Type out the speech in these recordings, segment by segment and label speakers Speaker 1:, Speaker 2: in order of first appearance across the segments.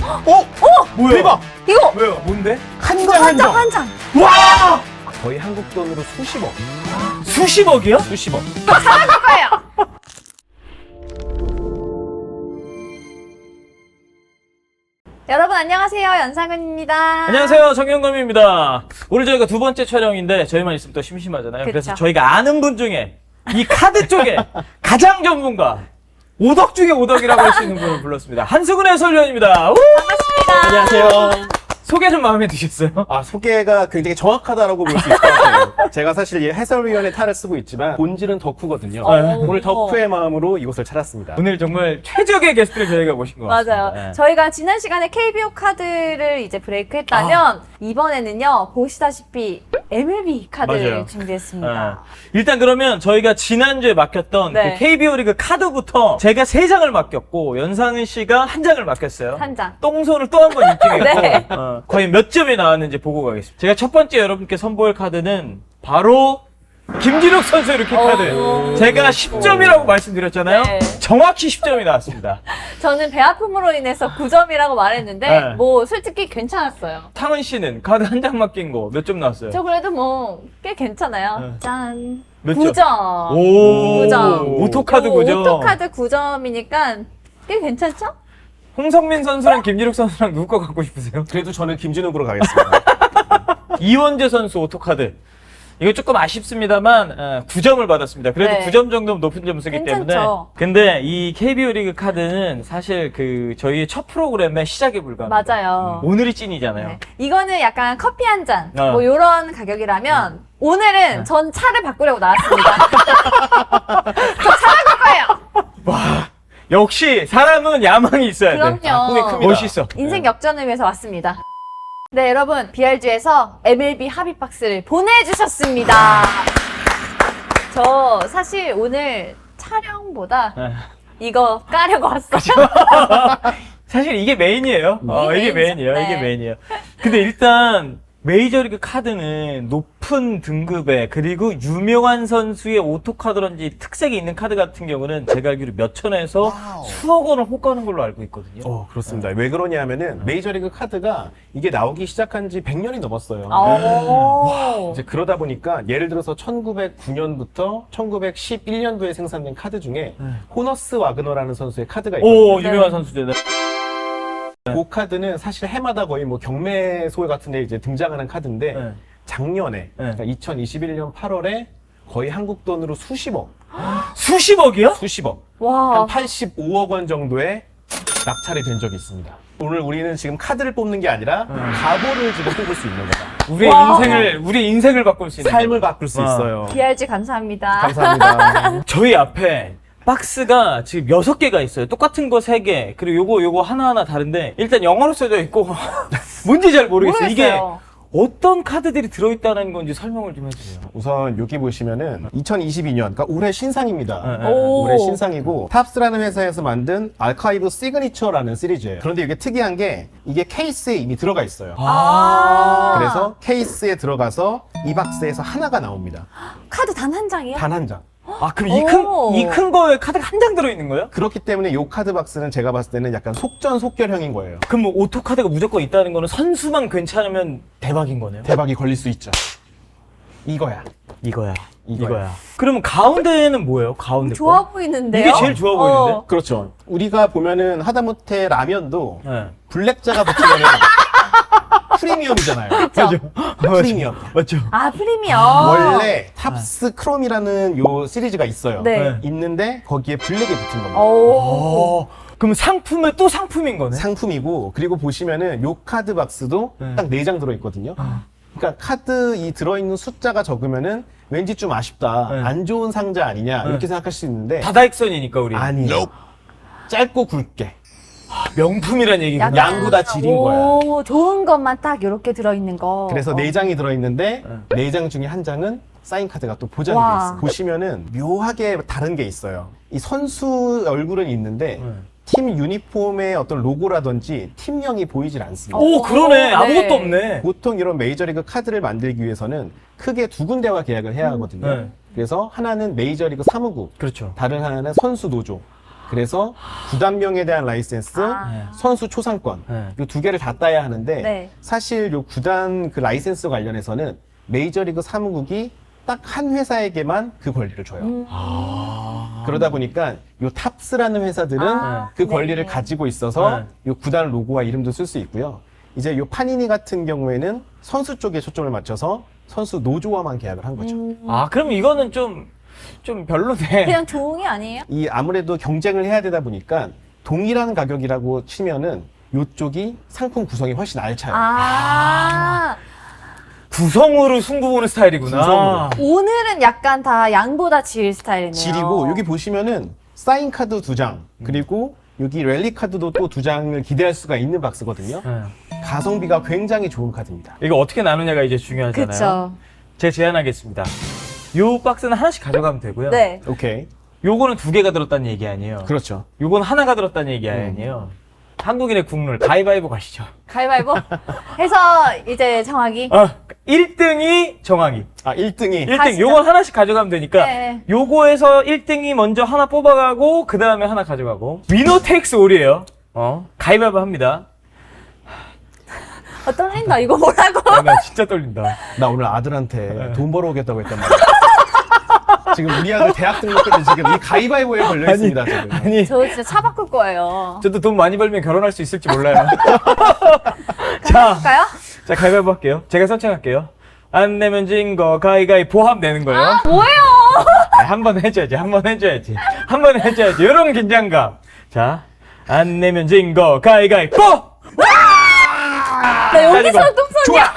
Speaker 1: 뭐야?
Speaker 2: 대박!
Speaker 1: 이거
Speaker 3: 왜요? 뭔데?
Speaker 2: 한 장 한 장.
Speaker 1: 한 장.
Speaker 3: 와!
Speaker 2: 거의 한국 돈으로 수십억.
Speaker 3: 수십억이요?
Speaker 2: 수십억.
Speaker 1: 거예요. 여러분 안녕하세요. 연상은입니다.
Speaker 3: 안녕하세요. 정영검입니다. 오늘 저희가 두 번째 촬영인데 저희만 있으면 또 심심하잖아요. 그래서
Speaker 1: 그쵸.
Speaker 3: 저희가 아는 분 중에 이 카드 쪽에 가장 전문가, 오덕 중에 오덕이라고 할 수 있는 분을 불렀습니다. 한수근 해설위원입니다. 우!
Speaker 1: 반갑습니다.
Speaker 2: 안녕하세요.
Speaker 3: 소개 좀 마음에 드셨어요?
Speaker 2: 소개가 굉장히 정확하다라고 볼 수 있을 것 같아요. 제가 사실 이 해설위원의 탈을 쓰고 있지만 본질은 덕후거든요. 오늘 덕후의 마음으로 이곳을 찾았습니다.
Speaker 3: 오늘 정말 최적의 게스트를 저희가 모신 것 같습니다.
Speaker 1: 맞아요.
Speaker 3: 네.
Speaker 1: 저희가 지난 시간에 KBO 카드를 이제 브레이크했다면 이번에는요 보시다시피 MLB 카드를
Speaker 3: 맞아요.
Speaker 1: 준비했습니다.
Speaker 3: 일단 그러면 저희가 지난주에 맡겼던
Speaker 1: 네.
Speaker 3: 그 KBO 리그 카드부터 제가 3장을 맡겼고 연상은 씨가 1장을 맡겼어요.
Speaker 1: 한 장.
Speaker 3: 똥손을 또 한 번 입증했고
Speaker 1: 네.
Speaker 3: 과연 몇 점이 나왔는지 보고 가겠습니다. 제가 첫 번째 여러분께 선보일 카드는 바로 김진욱 선수의 루키 카드. 제가 10점이라고 말씀드렸잖아요.
Speaker 1: 네.
Speaker 3: 정확히 10점이 나왔습니다.
Speaker 1: 저는 배 아픔으로 인해서 9점이라고 말했는데
Speaker 3: 네.
Speaker 1: 뭐 솔직히 괜찮았어요.
Speaker 3: 탕은 씨는 카드 한 장 맡긴 거 몇 점 나왔어요?
Speaker 1: 저 그래도 뭐 꽤 괜찮아요.
Speaker 3: 네.
Speaker 1: 짠.
Speaker 3: 몇 점?
Speaker 1: 9점.
Speaker 3: 오,
Speaker 1: 9점.
Speaker 3: 오토카드 9점.
Speaker 1: 오토카드 9점이니까 꽤 괜찮죠?
Speaker 3: 홍성민 선수랑 김진욱 선수랑 누구 거 갖고 싶으세요?
Speaker 2: 그래도 저는 김진욱으로 가겠습니다.
Speaker 3: 이원재 선수 오토카드. 이거 조금 아쉽습니다만 9점을 받았습니다. 그래도
Speaker 1: 네.
Speaker 3: 9점 정도면 높은 점수기 때문에.
Speaker 1: 괜찮죠.
Speaker 3: 근데 이 KBO 리그 카드는 사실 그 저희의 첫 프로그램의 시작에 불과합니다.
Speaker 1: 맞아요.
Speaker 3: 오늘이 찐이잖아요.
Speaker 1: 네. 이거는 약간 커피 한 잔,
Speaker 3: 어.
Speaker 1: 뭐 요런 가격이라면 오늘은 전 차를 바꾸려고 나왔습니다. 저 차를 바꿔요.
Speaker 3: 역시 사람은 야망이 있어야 돼.
Speaker 1: 그럼요.
Speaker 2: 꿈이 큽니다.
Speaker 3: 멋있어.
Speaker 1: 인생 역전을 위해서 왔습니다. 네, 여러분 BRG에서 MLB 합의 박스를 보내주셨습니다. 저 사실 오늘 촬영보다
Speaker 3: 네.
Speaker 1: 이거 까려고 왔어요.
Speaker 3: 사실 이게 메인이에요. 이게
Speaker 1: 메인이죠.
Speaker 3: 메인이에요.
Speaker 1: 네.
Speaker 3: 이게 메인이에요. 근데 일단 메이저리그 카드는 높은 등급의 그리고 유명한 선수의 오토카드런지 특색이 있는 카드 같은 경우는 제가 알기로 몇 천에서 수억 원을 호가하는 걸로 알고 있거든요.
Speaker 2: 그렇습니다. 왜 그러냐면은 메이저리그 카드가 이게 나오기 시작한 지 100년이 넘었어요.
Speaker 1: 오.
Speaker 2: 이제 그러다 보니까 예를 들어서 1909년부터 1911년도에 생산된 카드 중에 호너스 와그너라는 선수의 카드가 있거든요.
Speaker 3: 오, 유명한 선수들.
Speaker 2: 그 카드는 사실 해마다 거의 뭐 경매소 같은 데 이제 등장하는 카드인데
Speaker 3: 네.
Speaker 2: 작년에 그러니까 2021년 8월에 거의 한국 돈으로 수십억
Speaker 3: 수십억이요?
Speaker 1: 와.
Speaker 2: 한 85억 원 정도의 낙찰이 된 적이 있습니다. 오늘 우리는 지금 카드를 뽑는 게 아니라 가보를 지금 뽑을 수 있는 거다.
Speaker 3: 우리의 인생을 바꿀 수 있는.
Speaker 2: 삶을 바꿀 수 있어요.
Speaker 1: BRG 감사합니다.
Speaker 2: 감사합니다.
Speaker 3: 저희 앞에 박스가 지금 6개가 있어요. 똑같은 거 3개. 그리고 요거 하나하나 다른데 일단 영어로 써져 있고 뭔지 잘 모르겠어요. 이게
Speaker 1: 모르겠어요.
Speaker 3: 어떤 카드들이 들어있다는 건지 설명을 좀 해주세요.
Speaker 2: 우선 여기 보시면은 2022년, 그러니까 올해 신상입니다.
Speaker 3: 네.
Speaker 1: 오.
Speaker 2: 올해 신상이고 탑스라는 회사에서 만든 아카이브 시그니처라는 시리즈예요. 그런데 이게 특이한 게 이게 케이스에 이미 들어가 있어요.
Speaker 1: 아.
Speaker 2: 그래서 케이스에 들어가서 이 박스에서 하나가 나옵니다.
Speaker 1: 카드 단 한 장이요?
Speaker 2: 단 한 장.
Speaker 3: 아, 그럼
Speaker 1: 오.
Speaker 3: 이 큰 거에 카드가 한 장 들어있는 거예요?
Speaker 2: 그렇기 때문에 이 카드 박스는 제가 봤을 때는 약간 속전속결형인 거예요.
Speaker 3: 그럼 뭐 오토카드가 무조건 있다는 거는 선수만 괜찮으면 대박인 거네요?
Speaker 2: 대박이 걸릴 수 있죠. 이거야.
Speaker 3: 이거야.
Speaker 2: 이거야.
Speaker 3: 그러면 가운데는 뭐예요? 가운데
Speaker 1: 좋아
Speaker 3: 거?
Speaker 1: 보이는데요?
Speaker 3: 이게 제일 좋아 보이는데?
Speaker 2: 그렇죠. 우리가 보면은 하다못해 라면도
Speaker 3: 네.
Speaker 2: 블랙자가 붙으면은 프리미엄이잖아요.
Speaker 1: 그쵸?
Speaker 2: 프리미엄.
Speaker 3: 맞죠?
Speaker 1: 아, 프리미엄.
Speaker 2: 원래 탑스 크롬이라는 요 시리즈가 있어요.
Speaker 1: 네.
Speaker 2: 있는데 거기에 블랙이 붙은 겁니다.
Speaker 1: 오.
Speaker 3: 그럼 상품에 또 상품인 거네?
Speaker 2: 상품이고 그리고 보시면은 요 카드 박스도
Speaker 3: 네.
Speaker 2: 딱 4장 들어있거든요. 그러니까 카드 이 들어있는 숫자가 적으면은 왠지 좀 아쉽다.
Speaker 3: 네.
Speaker 2: 안 좋은 상자 아니냐 이렇게 생각할 수 있는데
Speaker 3: 다다익선이니까 우리.
Speaker 2: 아니에요. 짧고 굵게
Speaker 3: 명품이란 얘기군요.
Speaker 2: 양구 다 지린 거야.
Speaker 1: 오, 좋은 것만 딱 이렇게 들어있는 거.
Speaker 2: 그래서 4장이 들어있는데 4장 중에 한 장은 사인 카드가 또 보장이 돼
Speaker 1: 와.
Speaker 2: 있어요. 보시면은 묘하게 다른 게 있어요. 이 선수 얼굴은 있는데 팀 유니폼의 어떤 로고라든지 팀명이 보이질 않습니다.
Speaker 3: 오, 그러네.
Speaker 1: 네.
Speaker 3: 아무것도 없네.
Speaker 2: 보통 이런 메이저리그 카드를 만들기 위해서는 크게 2군데와 계약을 해야 하거든요.
Speaker 3: 네.
Speaker 2: 그래서 하나는 메이저리그 사무국,
Speaker 3: 그렇죠.
Speaker 2: 다른 하나는 선수 노조. 그래서 구단명에 대한 라이센스,
Speaker 1: 아.
Speaker 2: 선수 초상권
Speaker 3: 네.
Speaker 2: 이 두 개를 다 따야 하는데
Speaker 1: 네.
Speaker 2: 사실 요 구단 그 라이센스 관련해서는 메이저리그 사무국이 딱 한 회사에게만 그 권리를 줘요. 그러다 보니까 요 탑스라는 회사들은
Speaker 1: 아,
Speaker 2: 그
Speaker 1: 네.
Speaker 2: 권리를 가지고 있어서 요 구단 로고와 이름도 쓸 수 있고요. 이제 요 파니니 같은 경우에는 선수 쪽에 초점을 맞춰서 선수 노조와만 계약을 한 거죠.
Speaker 3: 아, 그럼 이거는 좀 별로네.
Speaker 1: 그냥 종이 아니에요?
Speaker 2: 이 아무래도 경쟁을 해야 되다 보니까 동일한 가격이라고 치면은 요쪽이 상품 구성이 훨씬 알차요.
Speaker 1: 아,
Speaker 3: 구성으로 승부 보는 스타일이구나.
Speaker 2: 구성으로.
Speaker 1: 오늘은 약간 다 양보다 질 스타일이네요.
Speaker 2: 질이고 여기 보시면은 사인 카드 2장 그리고 여기 랠리 카드도 또 2장을 기대할 수가 있는 박스거든요.
Speaker 3: 네.
Speaker 2: 가성비가 굉장히 좋은 카드입니다.
Speaker 3: 이거 어떻게 나누냐가 이제 중요하잖아요.
Speaker 1: 그쵸.
Speaker 3: 제가 제안하겠습니다. 요 박스는 하나씩 가져가면 되고요.
Speaker 1: 네.
Speaker 2: 오케이.
Speaker 3: 요거는 2개가 들었다는 얘기 아니에요.
Speaker 2: 그렇죠.
Speaker 3: 요건 하나가 들었다는 얘기 아니에요. 한국인의 국룰 가위바위보 가시죠.
Speaker 1: 가위바위보 해서 이제 정하기.
Speaker 3: 1등이 정하기.
Speaker 2: 아, 1등이
Speaker 3: 1등
Speaker 1: 가시죠.
Speaker 3: 요건 하나씩 가져가면 되니까
Speaker 1: 네.
Speaker 3: 요거에서 1등이 먼저 하나 뽑아가고 그 다음에 하나 가져가고 위너 테이크스 올이에요. 가위바위보 합니다.
Speaker 1: 떨린다. 이거 뭐라고?
Speaker 3: 나 진짜 떨린다.
Speaker 2: 나 오늘 아들한테 돈 벌어오겠다고 했단 말이야. 지금 우리 아들 대학 등록금이 지금 이 가위바위보에 걸려 있습니다. 지금.
Speaker 3: 아니
Speaker 1: 저 진짜 차 바꿀 거예요.
Speaker 3: 저도 돈 많이 벌면 결혼할 수 있을지 몰라요. 자,
Speaker 1: 할까요?
Speaker 3: 자 가위바위보 할게요. 제가 선창할게요. 안 내면 진 거 가위가위보 하면 되는 거예요.
Speaker 1: 아, 뭐예요?
Speaker 3: 한 번 해줘야지. 한 번 해줘야지. 한 번 해줘야지. 이런 긴장감. 자, 안 내면 진 거 가위가위보.
Speaker 1: 나 여기서 똥손이야.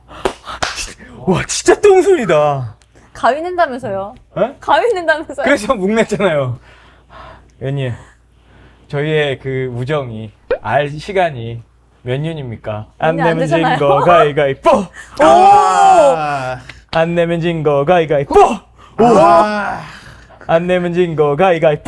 Speaker 3: 와 진짜 똥손이다.
Speaker 1: 가위 낸다면서요?
Speaker 3: 어?
Speaker 1: 가위 낸다면서요?
Speaker 3: 그래서 묵냈잖아요. 연님, 저희의 그 우정이 알 시간이 몇 년입니까? 안
Speaker 1: 몇년 안
Speaker 3: 내면 진
Speaker 1: 되잖아요.
Speaker 3: 거 가위가위보.
Speaker 2: 아,
Speaker 3: 안 내면 진 거 가위가위보.
Speaker 2: 아,
Speaker 3: 안 내면 진 거 가위가위보.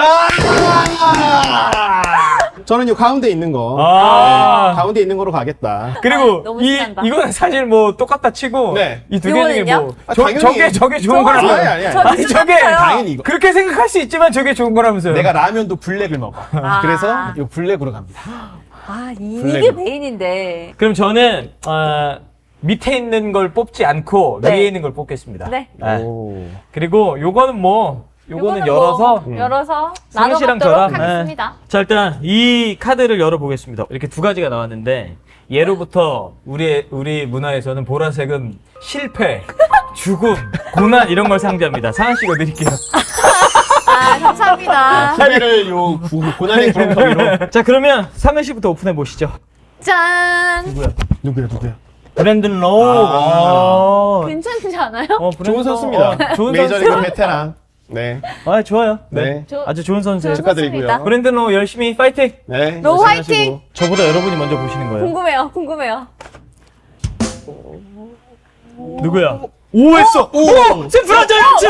Speaker 2: 저는 요 가운데 있는 거.
Speaker 3: 아.
Speaker 2: 네, 가운데 있는 거로 가겠다.
Speaker 3: 그리고
Speaker 1: 너무
Speaker 3: 이
Speaker 1: 신난다.
Speaker 3: 이거는 사실 뭐 똑같다 치고
Speaker 2: 네.
Speaker 3: 이 두 개 중에
Speaker 1: 요거는요?
Speaker 3: 뭐
Speaker 2: 아, 당연히.
Speaker 3: 저게 좋은 거라면서.
Speaker 2: 아니.
Speaker 1: 저
Speaker 3: 아니 저게
Speaker 1: 똑같아요.
Speaker 2: 당연히 이거.
Speaker 3: 그렇게 생각할 수 있지만 저게 좋은 거라면서요.
Speaker 2: 내가 라면도 블랙을 먹어.
Speaker 1: 아.
Speaker 2: 그래서 요 블랙으로 갑니다.
Speaker 1: 아, 이게
Speaker 2: 블랙으로.
Speaker 1: 메인인데.
Speaker 3: 그럼 저는 밑에 있는 걸 뽑지 않고
Speaker 1: 네.
Speaker 3: 위에 있는 걸 뽑겠습니다.
Speaker 1: 네.
Speaker 2: 오.
Speaker 3: 그리고 요거는 뭐 요거는
Speaker 1: 요거는
Speaker 3: 열어서
Speaker 1: 뭐 열어서
Speaker 3: 승희 씨랑
Speaker 1: 나눠먹도록
Speaker 3: 저랑,
Speaker 1: 하겠습니다.
Speaker 3: 자 일단 이 카드를 열어보겠습니다. 이렇게 두 가지가 나왔는데 예로부터 우리 문화에서는 보라색은 실패, 죽음, 고난 이런 걸 상징합니다. 상한 씨가 드릴게요.
Speaker 1: 아, 감사합니다.
Speaker 2: 후배를 요 고난의 구렁텅이로.
Speaker 3: 자 그러면 상은 씨부터 오픈해 보시죠.
Speaker 1: 짠!
Speaker 2: 누구야?
Speaker 3: 브랜든 로우.
Speaker 2: 아.
Speaker 1: 괜찮지 않아요?
Speaker 3: 브랜든
Speaker 2: 좋은 선수입니다.
Speaker 3: 로우. 좋은
Speaker 2: 메이저리그
Speaker 3: 선수.
Speaker 2: 베테랑. 네.
Speaker 3: 아 좋아요. 네.
Speaker 2: 네.
Speaker 3: 아주 좋은 선수예요.
Speaker 1: 좋은
Speaker 2: 축하드리고요.
Speaker 1: 선수입니다.
Speaker 3: 브랜든 로우 열심히 파이팅.
Speaker 2: 네.
Speaker 1: 로우
Speaker 2: 열심히
Speaker 1: 화이팅!
Speaker 2: 하시고.
Speaker 3: 저보다 여러분이 먼저 보시는 거예요.
Speaker 1: 궁금해요.
Speaker 3: 누구야? 오 했어. 오! 샌프란 자이언츠.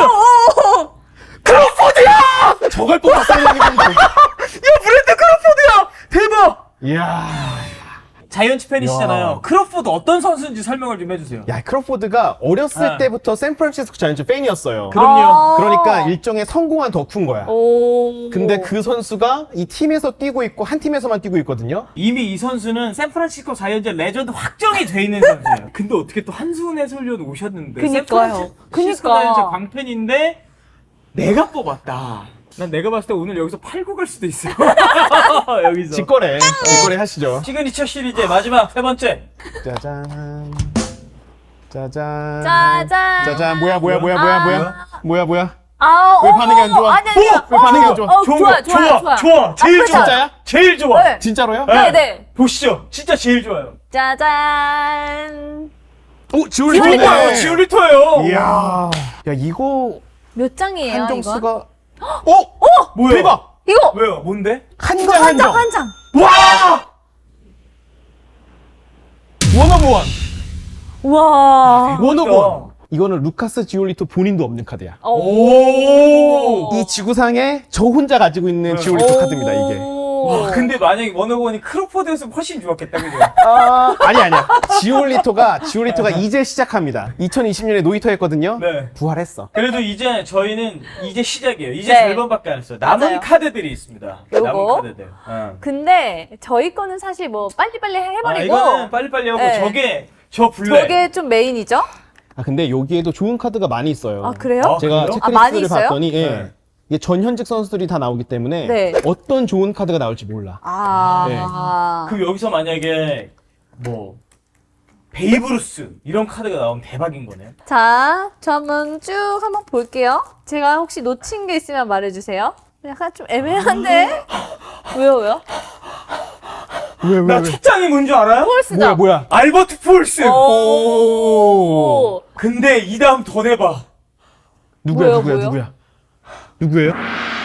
Speaker 3: 크로포드야!
Speaker 2: 저걸 뽑았어야 되는 건데.
Speaker 3: 야 브랜드 크로포드야! 대박!
Speaker 2: 이야.
Speaker 3: 자이언츠 팬이시잖아요.
Speaker 2: 야.
Speaker 3: 크로포드 어떤 선수인지 설명을 좀 해주세요.
Speaker 2: 야, 크로포드가 어렸을
Speaker 3: 네.
Speaker 2: 때부터 샌프란시스코 자이언츠 팬이었어요.
Speaker 3: 그럼요.
Speaker 2: 그러니까 일종의 성공한 덕후인 거야.
Speaker 1: 오.
Speaker 2: 근데 그 선수가 이 팀에서 뛰고 있고 한 팀에서만 뛰고 있거든요.
Speaker 3: 이미 이 선수는 샌프란시스코 자이언츠 레전드 확정이 돼 있는 선수예요. 근데 어떻게 또 한수훈 해설위원 오셨는데
Speaker 1: 그니까요.
Speaker 3: 샌프란시스코
Speaker 1: 그니까.
Speaker 3: 자이언츠 광팬인데 내가 뽑았다. 난 내가 봤을 때 오늘 여기서 팔고 갈 수도 있어. 여기서.
Speaker 2: 직거래 하시죠.
Speaker 3: 시그니처 시리즈 마지막 세 번째.
Speaker 2: 짜잔. 짜잔.
Speaker 1: 짜잔.
Speaker 2: 짜잔. 뭐야.
Speaker 1: 아,
Speaker 2: 왜 반응이 안 좋아?
Speaker 1: 아니.
Speaker 2: 왜 반응이 안 좋아?
Speaker 1: 좋아.
Speaker 3: 좋아. 제일 좋아.
Speaker 2: 진짜야?
Speaker 3: 제일 좋아.
Speaker 1: 네.
Speaker 2: 진짜로요?
Speaker 1: 네.
Speaker 3: 보시죠. 진짜 제일 좋아요.
Speaker 1: 짜잔.
Speaker 2: 오,
Speaker 1: 지올리토.
Speaker 3: 지올리토예요.
Speaker 2: 이야. 야, 이거
Speaker 1: 몇 장이에요, 이건?
Speaker 2: 한정수가
Speaker 3: 뭐야?
Speaker 2: 대박.
Speaker 1: 이거
Speaker 3: 왜요? 뭔데?
Speaker 2: 한 장.
Speaker 1: 한 장.
Speaker 3: 와!
Speaker 2: 원오브원.
Speaker 1: 와.
Speaker 2: 원오브원. 이거는 루카스 지올리토 본인도 없는 카드야.
Speaker 3: 오!
Speaker 2: 이 지구상에 저 혼자 가지고 있는 지올리토 카드입니다, 이게.
Speaker 1: 오.
Speaker 3: 와, 근데 만약에 워너건이 크로포드였으면 훨씬 좋았겠다, 그죠?
Speaker 2: 아니야. 지올리토가 이제 시작합니다. 2020년에 노히터 했거든요.
Speaker 3: 네.
Speaker 2: 부활했어.
Speaker 3: 그래도 이제 저희는 이제 시작이에요. 이제
Speaker 1: 네.
Speaker 3: 절반밖에 안 했어요. 남은
Speaker 1: 맞아요.
Speaker 3: 카드들이 있습니다.
Speaker 1: 요거?
Speaker 3: 남은 카드들.
Speaker 1: 근데 저희 거는 사실 뭐 빨리빨리 해버리고
Speaker 3: 이거는 빨리빨리 하고
Speaker 1: 네.
Speaker 3: 저게 저 블랙.
Speaker 1: 저게 좀 메인이죠?
Speaker 2: 근데 여기에도 좋은 카드가 많이 있어요.
Speaker 1: 아 그래요?
Speaker 2: 제가
Speaker 3: 그래요?
Speaker 1: 많이
Speaker 2: 체크리스트를
Speaker 1: 있어요?
Speaker 2: 봤더니 예.
Speaker 3: 네.
Speaker 2: 이게 전현직 선수들이 다 나오기 때문에
Speaker 1: 네.
Speaker 2: 어떤 좋은 카드가 나올지 몰라.
Speaker 3: 그럼 여기서 만약에 뭐 베이브루스 이런 카드가 나오면 대박인 거네요.
Speaker 1: 자, 저 한번 쭉 한번 볼게요. 제가 혹시 놓친 게 있으면 말해주세요. 약간 좀 애매한데? 왜요?
Speaker 3: 나 첫 장이 뭔지 알아요?
Speaker 1: 폴스다.
Speaker 2: 뭐야?
Speaker 3: 알버트 폴스.
Speaker 1: 오.
Speaker 3: 근데 이 다음 더 내봐.
Speaker 2: 누구야?
Speaker 1: 뭐예요?
Speaker 2: 누구예요?